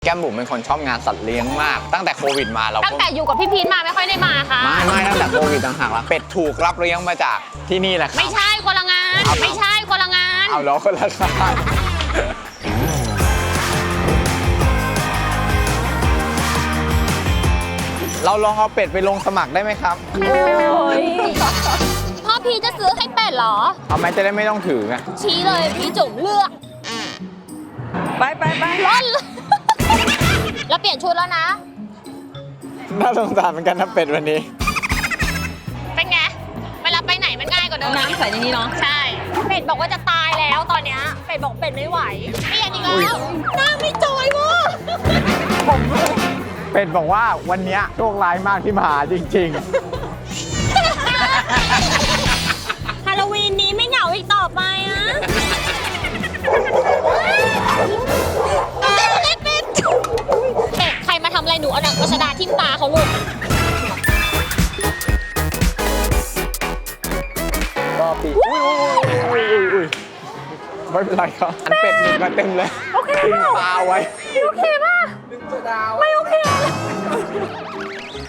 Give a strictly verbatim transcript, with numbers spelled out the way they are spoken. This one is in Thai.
แก้มบุ๋มเป็นคนชอบงานสัตว์เลี้ยงมากตั้งแต่โควิดมาเราตั้งแต่อยู่กับพี่พีทมาไม่ค่อยได้มาค่ะไม่ไม่ตั้งแต่โควิดต่างหากละเป็ดถูกรับเลี้ยงมาจากที่นี่แหละครับไม่ใช่คนละงาน ไม่ใช่คนละงานเอาล้อคนละทางเราลองเอาเป็ดไปลงสมัครได้ไหมครับพ่อพีจะซื้อให้เป็ดเหรอเอาไหมจะได้ไม่ต้องถือไงชี้เลยพี่จุ๋มเลือกไปไปไปร่อนเลย แล้วเปลี่ยนชุดแล้วนะน่าสงสารเหมือนกันนะเป็ดวันนี้เป็นไง เวลาไปไหนมันง่ายกว่าเดิมน้ำใส่ในนี้เนาะใช่ เป็ดบอกว่าจะตายแล้วตอนเนี้ยเป็ดบอกเป็ดไม่ไหวเปลี่ยนอีกแล้วหน้าไม่จอยว่ะเป็ดบอกว่าวันนี้โชคร้ายมากที่มาหาจริงฮาโลวีนนี้ไม่เหงาอีกต่อไปนะเป็ดเป็ดเป็ดใครมาทำอะไรหนูเอาหนังกระชดาทิ่มตาเขาลูกๆ ก็ปีอุ้ยอุ้ยอุ้ยอุ้ยไม่เป็นไรครับอันเป็ดหนึ่งมาเต็มเลยโอเคตาไว้โอเคป่ะไม่โอเค